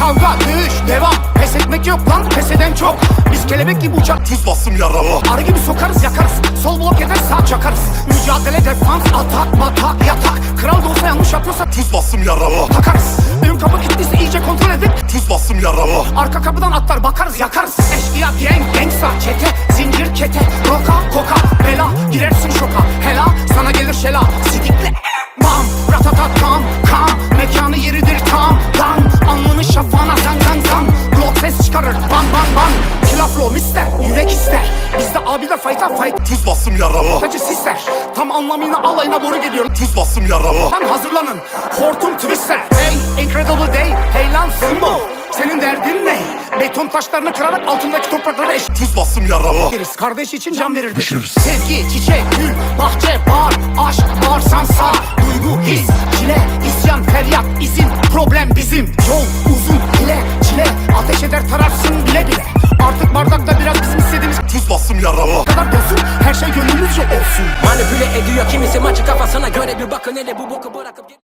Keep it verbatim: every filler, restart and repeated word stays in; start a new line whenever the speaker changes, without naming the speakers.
Kavga, dövüş, devam. Pes etmek yok lan, pes eden çok. Biz kelebek gibi uçar,
Tuz bastım yaralı.
arı gibi sokarız yakarız. Sol blok eder sağ çakarız. Mücadele, defans, atak, batak, yatak. Kral da olsa yanlış yapıyorsa
Tuz bastım yaralı.
takarız. Ön kapı gittiyse iyice kontrol edip
Tuz bastım yaralı.
arka kapıdan atlar bakarız yakarız. Eşkıya, gang, gangsta, çete, zincir, kete, roka, koka, bela, girersin şoka. Hela, sana gelir şela, sidikle bam, ratatat tam, kam, mekanı yeridir tam, dan, alnını şafağına zan zan zan. Glock ses çıkarır, ban ban ban. Kilaflo mister, yürek ister. Bizde abiler fight'a fight.
Tuz bastım yaralı.
Tacı sister, tam anlamıyla alayına doğru geliyor.
Tuz bastım yaralı.
Lan hazırlanın, hortum twister. Hey, incredible day, hey lan Simbo. Senin derdin ne? Beton taşlarını kırarak altındaki toprakları eş...
Tuz bastım yaralı.
Deriz, kardeş için can verirdik. Sevgi, çiçek, gül, bahçe, bağır, aşk, bağırsan sağ. Duygu, his, çile, isyan, feryat, izin, problem bizim. Yol uzun, ile, çile, ateş eder tararsın bile bile. Artık bardakta biraz bizim istediğimiz
Tuz bastım yaralı.
kadar dolsun, her şey gönlümüzce olsun.
Manipüle ediyor kimisi maçı kafasına göre, bir bakın hele bu boku bırakıp